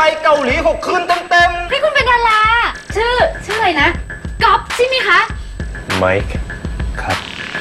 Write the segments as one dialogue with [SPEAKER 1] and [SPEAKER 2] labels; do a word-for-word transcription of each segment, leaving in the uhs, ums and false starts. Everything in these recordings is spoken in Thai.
[SPEAKER 1] เกาหลีหกคืนเต็มๆ
[SPEAKER 2] นี่คุณเป็นดาราชื่อชื่ออะไรนะก๊อฟใช่ไหมคะ
[SPEAKER 3] ไมค์ครับ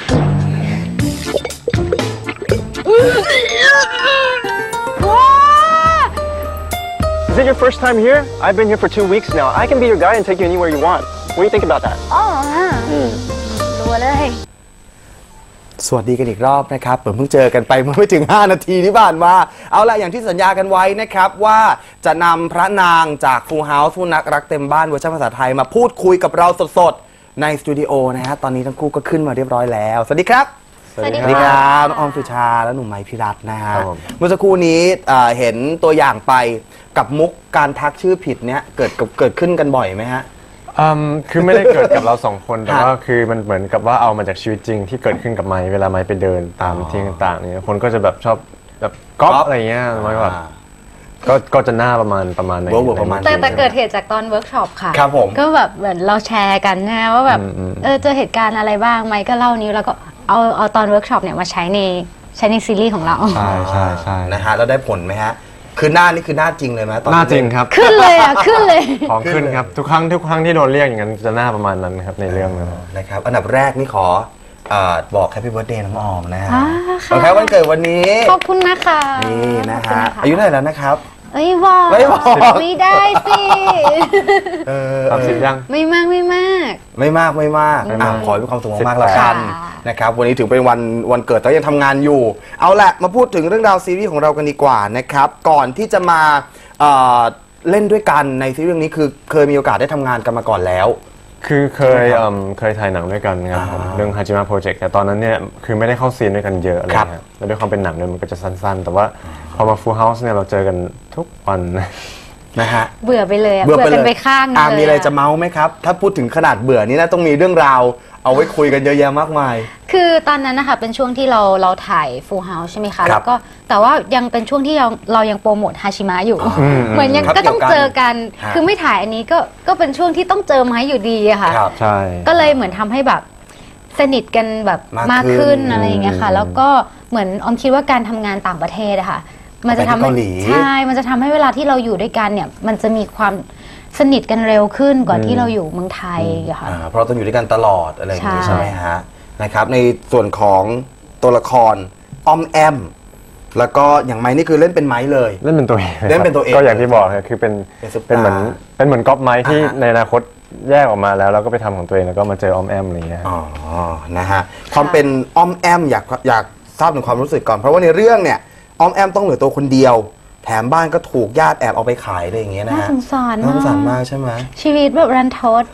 [SPEAKER 3] Is it your first time here? I've been here for two weeks now. I can be your guide and take you anywhere you want. What do you think about that?
[SPEAKER 2] อ๋อรู้เลย
[SPEAKER 1] สวัสดีกันอีกรอบนะครับเพิ่งเจอกันไปเมื่อไม่ถึงห้านาทีที่ผ่านมาเอาละอย่างที่สัญญากันไว้นะครับว่าจะนำพระนางจาก Full House ผู้นักรักเต็มบ้านเวอร์ชันภาษาไทยมาพูดคุยกับเราสดๆในสตูดิโอนะฮะตอนนี้ทั้งคู่ก็ขึ้นมาเรียบร้อยแล้วสวัสดีครับ
[SPEAKER 2] สวัสดี
[SPEAKER 1] สวัสดีครับน้องออมสุชาและหนุ่มไม้พิรัตน์นะฮะ
[SPEAKER 3] ครับผม
[SPEAKER 1] เมื่อสักครู่นี้เอ่อเห็นตัวอย่างไปกับมุกการทักชื่อผิดเนี้ยเกิดกับเกิดขึ้นกันบ่อยไหมฮะ
[SPEAKER 3] อืมคือไม่ได้เกิดกับเราสองคนแต่
[SPEAKER 1] ฮะ
[SPEAKER 3] ว่าคือมันเหมือนกับว่าเอามาจากชีวิตจริงที่เกิดขึ้นกับไม้เวลาไม้ไปเดินตามที่ต่างๆเนี่ยคนก็จะแบบชอบแบบก๊อปอะไรเงี้ยไม้แบบก็ก็จะหน้าประมาณประมาณไหน
[SPEAKER 1] เวิร์กเวิร์กประมาณ
[SPEAKER 2] แต่แต่เกิดเหตุจากตอนเวิร์กช็อปค่ะ
[SPEAKER 1] ครับผม
[SPEAKER 2] ก็แบบเหมือนเราแชร์กันนะว่าแบบเออเจอเหตุการณ์อะไรบ้างไหมก็เล่านิ้วแล้วก็เอาเอาตอนเวิร์กช็อปเนี่ยมาใช้ในใช้ในซีรีส์ของเรา
[SPEAKER 3] ใช่ใช่ใช่
[SPEAKER 1] นะฮะแล้วได้ผลไหมฮะคือหน้านี่คือหน้าจริงเลยไหมตอน
[SPEAKER 3] หน้าจริงครับ
[SPEAKER 2] ขึ้นเลยอ่ะขึ้นเลย
[SPEAKER 3] ของขึ้นครับทุกครั้งทุกครั้งที่โดนเรียกอย่างนั้นจะหน้าประมาณนั้นครับในเรื่องนั้น
[SPEAKER 1] นะครับอันดับแรกนี่ขอเอ่อบอกแฮปปี้เบิร์ธเดย์น้องออมนะฮะ
[SPEAKER 2] อ่าค่ะ
[SPEAKER 1] ขอแค่วันเกิดวันนี้
[SPEAKER 2] ขอบคุณนะคะ
[SPEAKER 1] นี่นะ
[SPEAKER 2] ขอบ
[SPEAKER 1] ฮะ
[SPEAKER 2] คุณ
[SPEAKER 1] อายุเท่าไหร่แล้วนะครับ
[SPEAKER 2] เอ้ยบอก
[SPEAKER 1] ไม่บอก
[SPEAKER 2] ไม่ได้สิ
[SPEAKER 1] เออ
[SPEAKER 3] สามสิบยัง
[SPEAKER 2] ไม่มากไม่มาก
[SPEAKER 1] ไม่มากไม่มาก
[SPEAKER 3] ไม่
[SPEAKER 1] อ่ะ
[SPEAKER 3] มาก
[SPEAKER 1] ขอให้มีความสุขมากๆแล้วกัน
[SPEAKER 2] ค่ะ
[SPEAKER 1] นะครับวันนี้ถือเป็นวันวันเกิดแต่ยังทำงานอยู่ เอาละมาพูดถึงเรื่องราวซีรีส์ของเรากันดีกว่านะครับก่อนที่จะมาเอ่อเล่นด้วยกันในซีรีส์เรื่องนี้คือเคยมีโอกาสได้ทำงานกันมาก่อนแล้ว
[SPEAKER 3] คือเคยเอิ่มเคยถ่ายหนังด้วยกันครับผม
[SPEAKER 1] อ่า
[SPEAKER 3] เรื่องฮาจิมะโปรเจกต์แต่ตอนนั้นเนี่ยคือไม่ได้เข้าซีนด้วยกันเยอะอะไร
[SPEAKER 1] ครับ
[SPEAKER 3] เงี้ยแล้วด้วยความเป็นหนังเนี่ยมันก็จะสั้นๆ แต่ว่าพอมา Full House เนี่ยเราเจอกันทุกวัน
[SPEAKER 1] นะฮะ
[SPEAKER 2] เบื่อไปเลยอะ
[SPEAKER 1] เบื่อไป
[SPEAKER 2] กัน
[SPEAKER 1] เลย
[SPEAKER 2] ไปข้างหนึง
[SPEAKER 1] อ่ะ
[SPEAKER 2] เลย
[SPEAKER 1] มีอะไรจะเมาส์ไหมครับ ถ้าพูดถึงขนาดเบื่อนี่นะต้องมีเรื่องราว เอาไว้คุยกันเยอะแยะมากมาย
[SPEAKER 2] คือตอนนั้นนะคะเป็นช่วงที่เราเราถ่าย Full House ใช่ไหมคะ
[SPEAKER 1] ครับ
[SPEAKER 2] แล้วก็แต่ว่ายังเป็นช่วงที่เราเรายังโปรโมทฮาชิมะอยู่
[SPEAKER 3] ม
[SPEAKER 2] เหมือนยัง
[SPEAKER 1] ครับ
[SPEAKER 2] ก็ต้องเจอกัน
[SPEAKER 1] ฮะ
[SPEAKER 2] คือไม่ถ่ายอันนี้ก็ก็เป็นช่วงที่ต้องเจอไม้อยู่ดีอะค่ะ
[SPEAKER 1] ครับ
[SPEAKER 3] ใช่
[SPEAKER 2] ก็เลยเหมือนทำให้แบบสนิทกันแบบ
[SPEAKER 1] มาก
[SPEAKER 2] มาก
[SPEAKER 1] ขึ้
[SPEAKER 2] ขึ้
[SPEAKER 1] น
[SPEAKER 2] นอะไรอย่างเงี้ยค่ะ แล้วก็เหมือนออมคิดว่าการทำงานต่างประเทศอะค่ะ มันจะทำให้
[SPEAKER 1] ไปที่เกาหลี
[SPEAKER 2] ใช่ มันจะทำให้เวลาที่เราอยู่ด้วยกันเนี่ย มันจะมีความสนิทกันเร็วขึ้นกว่าที่เราอยู่เมืองไทยอะค่ะ
[SPEAKER 1] อ่าเพราะเราต้องอยู่ด้วยกันตลอดอะไรอย่างนี้
[SPEAKER 2] ใช่
[SPEAKER 1] ใช่ไหมฮะนะครับในส่วนของตัวละครออมแอม แล้วก็อย่างไม้นี่คือเล่นเป็นไม้เลย
[SPEAKER 3] เล่นเป็นตัวเอง
[SPEAKER 1] เล่นเป็นตัวเอง
[SPEAKER 3] ก็อย่างที่บอกครับคือเป็น
[SPEAKER 1] เป็นซุปตาร์
[SPEAKER 3] เป็นเหมือนเป็นเหมือนก๊อปไม้ที่
[SPEAKER 1] อ่าฮะ
[SPEAKER 3] ในอนาคตแยกออกมาแล้วแล้วก็ไปทำของตัวเองแล้วก็มาเจอออมแอมอะไรอย่างเงี้ย
[SPEAKER 1] อ๋อนะฮะความเป็นออมแอมอยากอยากทราบถึงความรู้สึกก่อนเพราะว่าในเรื่องเนี่ยออมแอมต้องเหลือตัวคนเดียว แถมบ้านก็ถูกญาติแอบเอาไปขายอะไรอย่างเงี้ยนะ
[SPEAKER 2] น่า
[SPEAKER 1] ฮะ
[SPEAKER 2] สงสาร
[SPEAKER 1] น่าสงสาร
[SPEAKER 2] มาม
[SPEAKER 1] าก กใช่ไหม
[SPEAKER 2] ชีวิตแบบรันทด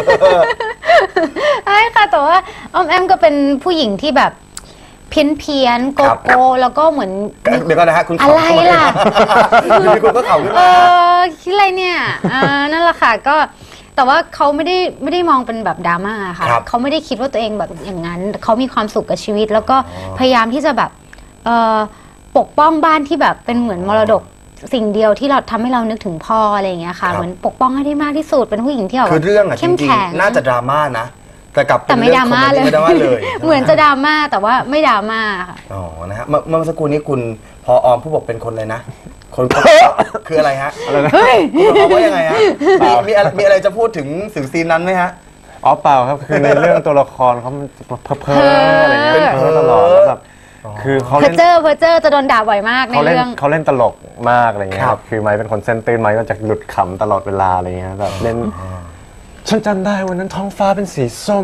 [SPEAKER 2] ใช่ค่ะ แต่ว่าออมแอมก็เป็นผู้หญิงที่แบบเพี้ยนเพียนๆโก
[SPEAKER 1] ครับ
[SPEAKER 2] โก้แล้วก็เหมือน
[SPEAKER 1] เดี๋ยวก่อนนะฮะคุณ
[SPEAKER 2] อะไรล่ะ
[SPEAKER 1] อยู่ดีคุณก็เข่าขึ้น
[SPEAKER 2] เอ
[SPEAKER 1] มา
[SPEAKER 2] อคิดอะไรเนี่ยอ่านั่นแหละค่ะก็แต่ว่าเขาไม่ได้ไม่ได้มองเป็นแบบดราม่าค่ะ
[SPEAKER 1] ครับ
[SPEAKER 2] เขาไม่ได้คิดว่าตัวเองแบบอย่างนั้นเขามีความสุขกับชีวิต แล้วก็พยายามที่จะแบบเอ่อปกป้องบ้านที่แบบเป็นเหมือนมรดกสิ่งเดียวที่เราทำให้เรานึกถึงพ่ออะไรอย่างเงี้ยค่ะเหมือนปกป้องให้ได้มากที่สุดเป็นผู้หญิงที่แบบ
[SPEAKER 1] คือเรื่องอะจ
[SPEAKER 2] เข้ม
[SPEAKER 1] ริง
[SPEAKER 2] แข็ง
[SPEAKER 1] ๆน่าจะดราม่านะ แต่กลับเป็น
[SPEAKER 2] แต่ไม่ดราม่าเลย
[SPEAKER 1] ไม่ดราม่าเลย
[SPEAKER 2] เหมือนจะดราม่าแต่ว่าไม่ดราม่าค่ะ
[SPEAKER 1] อ๋อนะฮะเมื่อเมื่อสักครู่นี้คุณพอออมผู้บอกเป็นคนเลยนะ คนคืออะไรฮะอะไรนะคุณบอกว่ายังไงฮะมีมีอะไรมีอะไรจะพูดถึงถึงซีนนั้นไหมฮะ
[SPEAKER 3] อ๋อเปล่าครับคือในเรื่องตัวละครเขามันเพ้อเพ้ออะไรเงี้ย
[SPEAKER 1] เป็น
[SPEAKER 3] เพ้อตลอดแล้วแบบคือเขา
[SPEAKER 2] เพอ
[SPEAKER 3] เล่น
[SPEAKER 2] เจอร์เพอเจอร์จะโดนด่าบ่อยมากใน
[SPEAKER 3] เขาเล่น
[SPEAKER 2] เรื่อง
[SPEAKER 3] เขาเล่นตลกมากอะไรเงี้ย
[SPEAKER 1] ค
[SPEAKER 3] ค
[SPEAKER 1] รั
[SPEAKER 3] รับ บคือไม้เป็นคนเส้นตื้นไม้ก็จะหลุดขำตลอดเวลาอะไรเงี้ยแบบเล่นฉันจำได้วันนั้นท้องฟ้าเป็นสีส้ม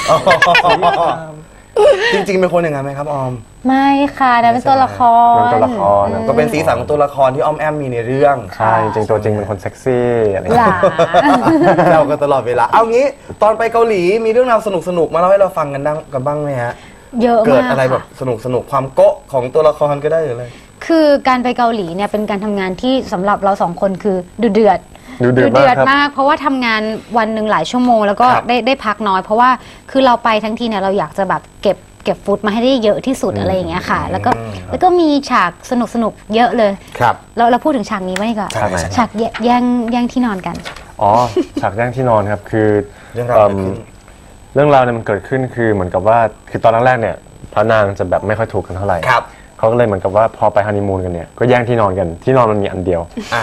[SPEAKER 1] จริงๆเป็นคนอย่างนั้นไหมครับออม
[SPEAKER 2] ไม่ค่ะนะเป็นตัวละคร
[SPEAKER 3] เป็นตัวละครนะ
[SPEAKER 1] ก็เป็นสีสันของตัวละครที่ออมแอมมีในเรื่อง
[SPEAKER 3] ใช่จริงๆตัวจริงเป็นคนเซ็กซี่อะไร
[SPEAKER 2] ห
[SPEAKER 3] เงี้
[SPEAKER 2] ลาย
[SPEAKER 1] เรากันตลอดเวลา เอางี้ตอนไปเกาหลีมีเรื่องราวสนุกๆมาเล่าให้เราฟังกันดังกันบ้างไหมฮะ
[SPEAKER 2] เยอะมาก
[SPEAKER 1] เกิดอะไรแบบ
[SPEAKER 2] ค่
[SPEAKER 1] สนุกสนุกๆความโก๊ะของตัวละครก็ได้หรืออะไร
[SPEAKER 2] คือการไปเกาหลีเนี่ยเป็นการทำงานที่สำหรับเราสองคนคือดุเดือด
[SPEAKER 3] ดูเดือดมากครับ
[SPEAKER 2] มาก เพราะว่าทำงานวันหนึ่งหลายชั่วโมง แล้วก็
[SPEAKER 1] ครับ
[SPEAKER 2] ได้ได้พักน้อย เพราะว่าคือเราไปทั้งทีเนี่ยเราอยากจะแบบเก็บเก็บฟุตมาให้ได้เยอะที่สุดอะไรอย่างเงี้ยค่ะ แล้วก็แล้วก็มีฉากสนุกสนุกๆเยอะเลย
[SPEAKER 1] ครับ
[SPEAKER 2] เราเราพูดถึงฉากนี้ไว้ดีกว่า
[SPEAKER 1] ฉากไหน
[SPEAKER 2] ฉากแยแย่งแย่งที่นอนกัน
[SPEAKER 3] อ๋อฉากแย่งที่นอนครับคือ
[SPEAKER 1] เรื่องราวเกิดขึ้น
[SPEAKER 3] เรื่องราวเนี่ยมันเกิดขึ้นคือเหมือนกับว่าคือตอนแรกๆเนี่ยพระนางจะแบบไม่ค่อยถูกกันเท่าไหร่
[SPEAKER 1] ครับ
[SPEAKER 3] เขาก็เลยเหมือนกับว่าพอไปฮันนีมูนกันเนี่ยก็แย่งที่นอนกันที่นอนมันมีอันเดียว
[SPEAKER 1] อ่า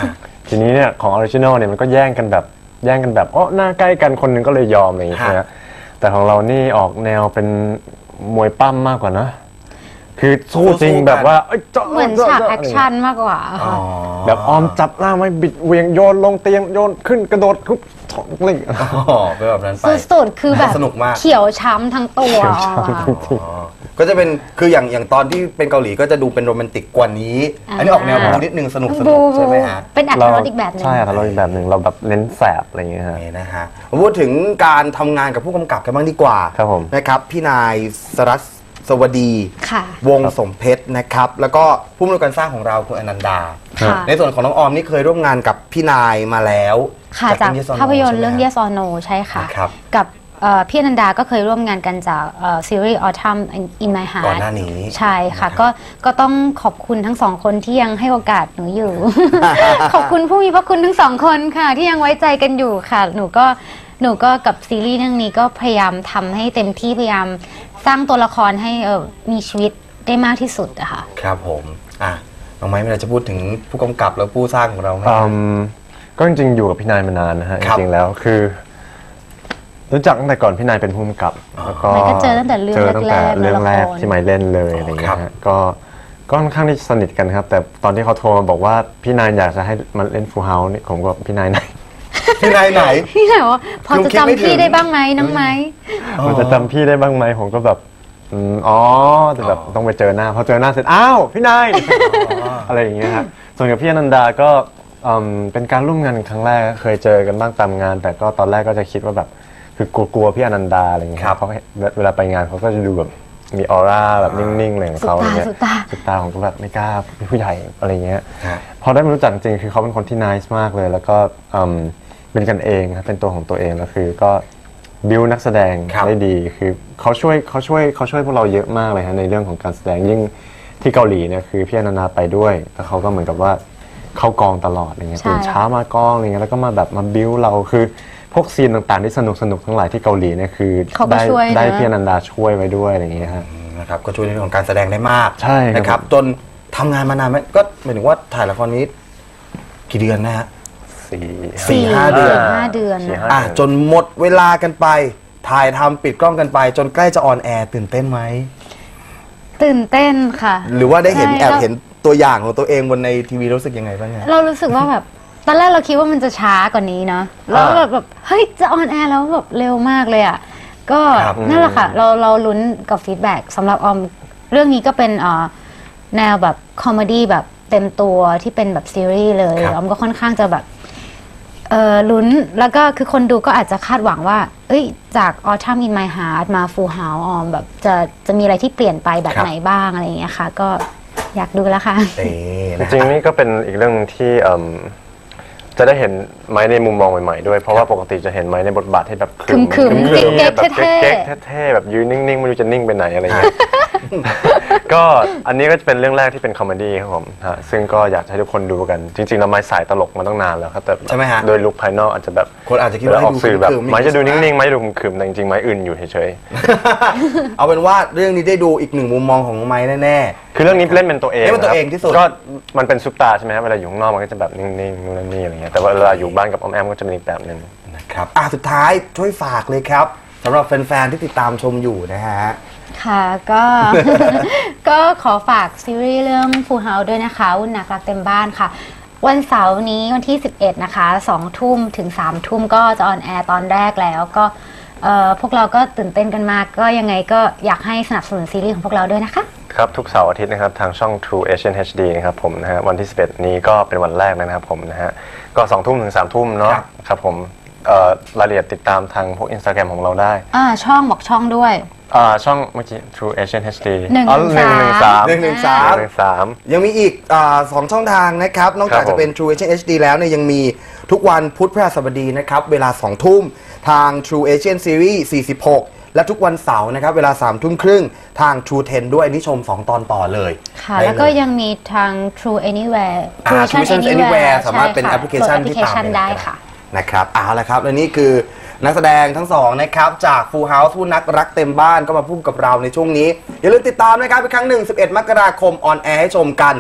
[SPEAKER 3] ทีนี้เนี่ยของออริจินอลเนี่ยมันก็แย่งกันแบบแย่งกันแบบอ๋อหน้าใกล้กันคนหนึงก็เลยยอมอะไรอย่างเงี้ย
[SPEAKER 1] ฮะ
[SPEAKER 3] นะแต่ของเรานี่ออกแนวเป็นมวยปั้มมากกว่านะคือสู้จริงแบบว่าเอ้ยจ๊ะ
[SPEAKER 2] เหมือน
[SPEAKER 3] จ๊ะ
[SPEAKER 2] ฉาก
[SPEAKER 3] จ๊ะ
[SPEAKER 2] แอคชั่นมากกว่า
[SPEAKER 1] อ๋อ
[SPEAKER 2] ค่ะ
[SPEAKER 3] แบบออมจับหน้าไว้บิดเหวียงโยนลงเตียงโยนขึ้นกระโดดทุบถอดอะไรอย่างเงี้ย
[SPEAKER 1] อ๋อเป็นแบบนั้นไป
[SPEAKER 2] สุดๆคือแบบ
[SPEAKER 1] สนุกมาก
[SPEAKER 2] เขียวช้ำทั้งตัวออมอะ
[SPEAKER 1] อ๋อก็จะเป็นคืออย่างอย่างตอนที่เป็นเกาหลีก็จะดูเป็นโรแมนติกกว่านี้
[SPEAKER 2] อ่า
[SPEAKER 1] อันนี้ออกแนวบูนิดนึงสนุกสนุ
[SPEAKER 2] บู
[SPEAKER 1] กใช่ไหมฮะ
[SPEAKER 2] เป็นอัตรสอีกแบบหนึง
[SPEAKER 3] ใช่อัตรสอีกแบบหนึ่งเราแบบเน้นแสบอะไรอย่างเงี้ยฮะ
[SPEAKER 1] นี่นะฮะมาพูดถึงการทำงานกับผู้กำกับกันบ้างดีกว่า
[SPEAKER 3] ครับผม
[SPEAKER 1] นะครับพี่นายสรัสสวัสดี
[SPEAKER 2] ค่ะ
[SPEAKER 1] วงสมเพชรนะครับ แล้วก็ผู้อำนวยการสร้างของเราคุณอนันดา
[SPEAKER 2] ค่ะ
[SPEAKER 1] ในส่วนของน้องออมนี่เคยร่วมงานกับพี่นายมาแล้ว
[SPEAKER 2] ค่ะจาก
[SPEAKER 1] เรื่อง Yes or No
[SPEAKER 2] ภาพยนตร์เรื่อง
[SPEAKER 1] ใช่ไหม
[SPEAKER 2] Yes or No ใช่ค่ะ
[SPEAKER 1] ครับ
[SPEAKER 2] กับเอ่อพี่อนันดาก็เคยร่วมงานกันจากเอ่อซีรีส์ Autumn in My
[SPEAKER 1] ก่อน
[SPEAKER 2] Heart
[SPEAKER 1] หน้านี้
[SPEAKER 2] ใช่ค่ะ
[SPEAKER 1] นะครับ
[SPEAKER 2] ก็ก็ต้องขอบคุณทั้งสองคนที่ยังให้โอกาสหนูอยู่ ขอบคุณผู้มีพระคุณทั้งสองคนค่ะ ที่ยังไว้ใจกันอยู่ค่ะ หนูก็หนูก็กับซีรีส์เรื่องนี้ก็พยายามทำให้เต็มที่พยายามสร้างตัวละครให้เอ่อมีชีวิตได้มากที่สุดอะค่ะ
[SPEAKER 1] ครับผมอ่ะน้องไม้มีอะไรจะพูดถึงผู้กำกับและผู้สร้างของเราไหม
[SPEAKER 3] อืมก็จริงๆอยู่กับพี่นายมานานนะฮะ
[SPEAKER 1] ค
[SPEAKER 3] จ
[SPEAKER 1] รับ
[SPEAKER 3] ริงๆแล้วคือ รู้จักตั้งแต่ก่อนพี่นายเป็นผู้กำกับแล้วก็
[SPEAKER 2] ไมค์ก็เจอตั้งแต่เรื่อง
[SPEAKER 3] เจอตั้งแต่
[SPEAKER 2] แรกๆ
[SPEAKER 3] เรื่องแรก
[SPEAKER 2] ละคร
[SPEAKER 3] ที่ไมค์เล่นเลยอะไรอย่างเงี้
[SPEAKER 1] ครั
[SPEAKER 3] ย
[SPEAKER 1] บ
[SPEAKER 3] ฮะก็ก็ค่อนข้างที่สนิทกันครับ แต่ตอนที่เขาโทรมาบอกว่าพี่นายอยากจะให้มันเล่นฟูลเฮาส์นี่ผมก็พี่นายไหน
[SPEAKER 1] พี่นายไหน
[SPEAKER 2] พี่ไหนว่าพอ
[SPEAKER 1] คือ
[SPEAKER 2] จะ
[SPEAKER 1] คิดไม่
[SPEAKER 2] จำพี่
[SPEAKER 1] ถึง
[SPEAKER 2] ได้บ้างไหมน้องไม้
[SPEAKER 3] มันจะจำพี่ได้บ้างไหมผมก็แบบอืมอ๋อแต่แบบ
[SPEAKER 1] อ๋อ
[SPEAKER 3] ต้องไปเจอหน้าพอเจอหน้าเสร็จอ้าวพี่นาย อะไรอย่างเงี้ยครับส่วนกับพี่อนันดาก็อืมเป็นการร่วมงานครั้งแรกเคยเจอกันบ้างตามงาน แต่ก็ตอนแรกก็จะคิดว่าแบบคือกลัวๆพี่อนันดาอะไรอย่างเงี้ย
[SPEAKER 1] ครับ
[SPEAKER 3] เพราะเวลาไปงานเขาก็จะดูแบบมีออร่าแบบนิ่งๆอะไรของเขาอะไรเงี้ย
[SPEAKER 2] สุดตา
[SPEAKER 3] สุดตาผมก็แบบไม่กล้าเป็นผู้ใหญ่อะไรเงี้ย
[SPEAKER 1] ฮะ
[SPEAKER 3] พอได้มารู้จักจริงคือเขาเป็นคนที่ nice มากเลย แล้วก็อืมเป็นกันเองครับเป็นตัวของตัวเองแล้วคือก็บิวนักแสดง
[SPEAKER 1] ครับ
[SPEAKER 3] ได้ดีคือเขาช่วยเขาช่วยเขาช่วยพวกเราเยอะมากเลยฮะในเรื่องของการแสดงยิ่งที่เกาหลีเนี่ยคือพี่อนันดาไปด้วยแล้วเขาก็เหมือนกับว่าเข้ากองตลอดอะไรเงี้ย
[SPEAKER 2] ใช่
[SPEAKER 3] ตื่นเช้ามากองอะไรเงี้ยแล้วก็มาแบบมาบิวเราคือพวกซีนต่างๆที่สนุกสนุกๆทั้งหลายที่เกาหลีเนี่ยคือ
[SPEAKER 2] เขาก็
[SPEAKER 3] ได้
[SPEAKER 2] ช่วยนะ
[SPEAKER 3] ได้พี่อนันดาช่วยไว้ด้วยอะไรเงี้ยฮะ
[SPEAKER 1] นะครับก็ช่วยในเรื่องของการแสดงได้มาก
[SPEAKER 3] ใช่ครับ
[SPEAKER 1] นะครับจนทำงานมานานไหมก็หมายถึงว่าถ่ายละครนี้กี่เดือนนะฮะ
[SPEAKER 3] สี่
[SPEAKER 1] สี่ห้าเดือน
[SPEAKER 2] ห้าเดือน
[SPEAKER 3] สี่ห้า
[SPEAKER 1] อ่ะจนหมดเวลากันไป ถ่ายทำปิดกล้องกันไป จนใกล้จะออนแอร์ตื่นเต้นไหม
[SPEAKER 2] ตื่นเต้นค่ะ
[SPEAKER 1] หรือว่าได้เห็น
[SPEAKER 2] ใช่
[SPEAKER 1] แอบ
[SPEAKER 2] แล้ว
[SPEAKER 1] เห็นตัวอย่างของตัวเองบนในทีวีรู้สึกยังไงบ้างฮะ
[SPEAKER 2] เรารู้สึกว่าแบบตอนแรกเราคิดว่ามันจะช้ากว่านี้เนาะแล้วแบบแบบเฮ้ยจะออนแอร์แล้วแบบเร็วมากเลยอ่ะก็
[SPEAKER 1] ครับ
[SPEAKER 2] นั่นแหละค่ะ เราเราลุ้นกับฟีดแบ็กสำหรับออมเรื่องนี้ก็เป็นเอ่อแนวแบบคอมเมดี้แบบเต็มตัวที่เป็นแบบซีรีส์เลย
[SPEAKER 1] ครับ
[SPEAKER 2] ออมก็ค่อนข้างจะแบบเออลุ้นแล้วก็คือคนดูก็อาจจะคาดหวังว่า เอ้ยจาก Autumn in My Heart มา Full House ออมแบบจะจะมีอะไรที่เปลี่ยนไปแบบ
[SPEAKER 1] ครับ
[SPEAKER 2] ไหนบ้างอะไรอย่างเงี้ยค่ะ ก็อยากดูแล้วค่ะ
[SPEAKER 1] เอ๊ะ
[SPEAKER 3] จ
[SPEAKER 1] นะ
[SPEAKER 3] ริงๆนี่ก็เป็นอีกเรื่องที่เอิ่มจะได้เห็นไม้ในมุมมองใหม่ๆด้วย เพราะว่าปกติจะเห็นไม้ในบทบาทที่แบบ
[SPEAKER 2] ขึมๆ
[SPEAKER 3] ขึมๆ
[SPEAKER 2] เก๊กๆ
[SPEAKER 3] แบบ
[SPEAKER 2] เท่ๆ
[SPEAKER 3] เก๊กๆเท่ๆแบบยืนนิ่งๆไม่รู้จะนิ่งไปไหนอะไรเงี้ย ก็อันนี้ก็จะเป็นเรื่องแรกที่เป็นคอมเมดี้ครับผมฮะซึ่งก็อยากให้ทุกคนดูกัน จริงๆแล้วไม้สายตลกมาตั้งนานแล้วครับแต่
[SPEAKER 1] ใช่ไหมฮะ
[SPEAKER 3] โดยลุคภายนอกอาจจะแบบ
[SPEAKER 1] คนอาจจะคิด
[SPEAKER 3] เว
[SPEAKER 1] ว่า
[SPEAKER 3] ลาออกสื่อแบบ
[SPEAKER 1] ให้ดู
[SPEAKER 3] ไม้จะดูนิ่งๆ
[SPEAKER 1] ๆ
[SPEAKER 3] ไม้จะดูขึมๆแต่จริงๆไม้อื่นอยู่เฉย
[SPEAKER 1] เอาเป็นว่าเรื่องนี้ได้ดูอีกหนึ่งมุมมองของไม้แน่
[SPEAKER 3] ๆคือเรื่องนี้เล่นเป็นตัวเอง
[SPEAKER 1] เล่นเป็นตัว
[SPEAKER 3] ะครับ
[SPEAKER 1] เองที่สุด
[SPEAKER 3] ก็มันเป็นซุปตาใช่ไหมครับเวลาอยู่ข้างนอกมันก็จะแบบนิ่งๆนู่นนั่นนี่อะไรเงี้ยแต่ว่าเวลาอยู่บ้านกับออมแอมก็จะเป็นอีกแบบหนึง
[SPEAKER 1] ๆนะครับอ่ะสุดท้ายช่วยฝากเลยครับสำหรับแฟนๆที่ติดตามชมอยู่นะฮะ
[SPEAKER 2] ค่ะก็ ก็ขอฝากซีรีส์เรื่อง Full House ด้วยนะคะวุ่นหนักรักเต็มบ้านค่ะ วันเสาร์นี้วันที่ สิบเอ็ด นะคะสองทุ่มถึงสามทุ่มก็จะออนแอร์ตอนแรกแล้วก็เอ่อพวกเราก็ตื่นเต้นกันมากก็ยังไงก็อยากให้สนับสนุนซีรีส์ของพวกเราด้วยนะคะ
[SPEAKER 3] ครับทุกเสาร์อาทิตย์นะครับทางช่อง True Asian เอช ดี นะครับผมนะฮะวันที่สิบเอ็ดนี้ก็เป็นวันแรกนะครับผมนะฮะก็สองทุ่มถึงสามทุ่มเนาะ
[SPEAKER 1] ครับ
[SPEAKER 3] ครับผมเอ่อรายละเอียดติดตามทางพวก Instagram ของเราได้
[SPEAKER 2] อ่าช่องบอกช่องด้วย
[SPEAKER 3] อ่าช่องเมื่อกี้ True Asian เอช ดี
[SPEAKER 2] หนึ่ง
[SPEAKER 3] อ๋อ
[SPEAKER 2] หนึ่งสาม
[SPEAKER 3] หนึ่งหนึ่งสาม
[SPEAKER 1] หนึ่งหนึ่งสาม
[SPEAKER 3] หนึ่งสาม
[SPEAKER 1] ยังมีอีกอาสองช่องทางนะครับ นอกจาก
[SPEAKER 3] ครับผม
[SPEAKER 1] จะเป็น True เอ เอช ดี แล้วเนี่ยยังมีทุกวันพุธพฤหัสบดีนะครับ เวลาสองทุ่มทาง True Asian Series สี่สิบหก และทุกวันเสาร์นะครับ เวลาสามทุ่มครึ่งทาง True เท็น ด้วยอันนี้ชม สอง ตอนต่อเลย
[SPEAKER 2] ค่ะ
[SPEAKER 1] ได้
[SPEAKER 2] แล้วก็
[SPEAKER 1] เย
[SPEAKER 2] ยังมีทาง True Anywhere
[SPEAKER 1] อ่า True Vision Anywhere สามารถเป็น
[SPEAKER 2] ใช่
[SPEAKER 1] แอปพลิเคชัน
[SPEAKER 2] โหลด
[SPEAKER 1] ที่ตาม
[SPEAKER 2] แอปพลิเคชันได้ค่ะ
[SPEAKER 1] นะครับเอาละครับและนี่คือนักแสดงทั้งสองนะครับจาก Full House ผู้นักรักเต็มบ้านก็มาพูดกับเราในช่วงนี้ อย่าลืมติดตามนะครับอีกครั้งหนึ่ง สิบเอ็ด มกราคมออนแอร์ให้ชมกัน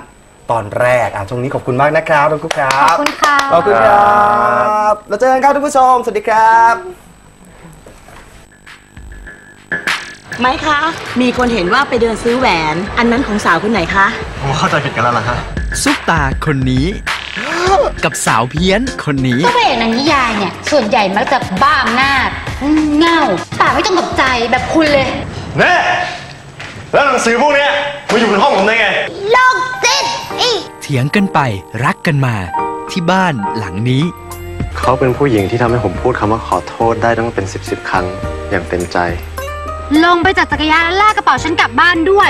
[SPEAKER 1] ตอนแรกอ่ะช่วงนี้ขอบคุณมากนะครับทุกคนครั
[SPEAKER 2] ขอบบ คุณค่ะ
[SPEAKER 1] ขอบคุณครับแล้วเจอกันครับทุกผู้ชมสวัสดีครับ
[SPEAKER 4] ไหมคะ มีคนเห็นว่าไปเดินซื้อแหวน อันนั้นของสาวคนไหนคะ
[SPEAKER 3] ผมเข้าใจผิดกันแล้วล่ะฮะ
[SPEAKER 5] ซุปตาคนนี้ กับสาวเพี้ยนคนนี้
[SPEAKER 2] พระเอกหนังนิยายเนี่ยส่วนใหญ่มักจะบ้าอำนาจเง่าปากไม่ต้องกับใจแบบคุณเลย
[SPEAKER 3] แน่แล้วหนังสือพวกเนี้ยมาอยู่ในห้องผมได้ไง
[SPEAKER 2] โลกจิตอี
[SPEAKER 5] เถียงกันไปรักกันมาที่บ้านหลังนี้
[SPEAKER 3] เขาเป็นผู้หญิงที่ทำให้ผมพูดคำว่าขอโทษได้ตั้งเป็นสิบสิบครั้งอย่างเต็มใจ
[SPEAKER 2] ลงไปจากจักรยานแล้วลากกระเป๋าฉันกลับบ้านด้วย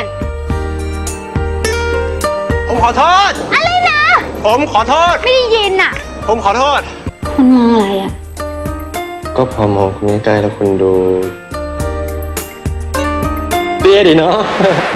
[SPEAKER 3] ผมขอโทษ
[SPEAKER 2] อะไรนะ
[SPEAKER 3] ผมขอโทษ
[SPEAKER 2] ไม่ได้ยินอ่ะ
[SPEAKER 3] ผมขอโทษ
[SPEAKER 2] คุณมองอะไรอ่ะ
[SPEAKER 3] ก็พอมองคุณใกล้ๆแล้วคุณดูเตี้ยดีเนาะ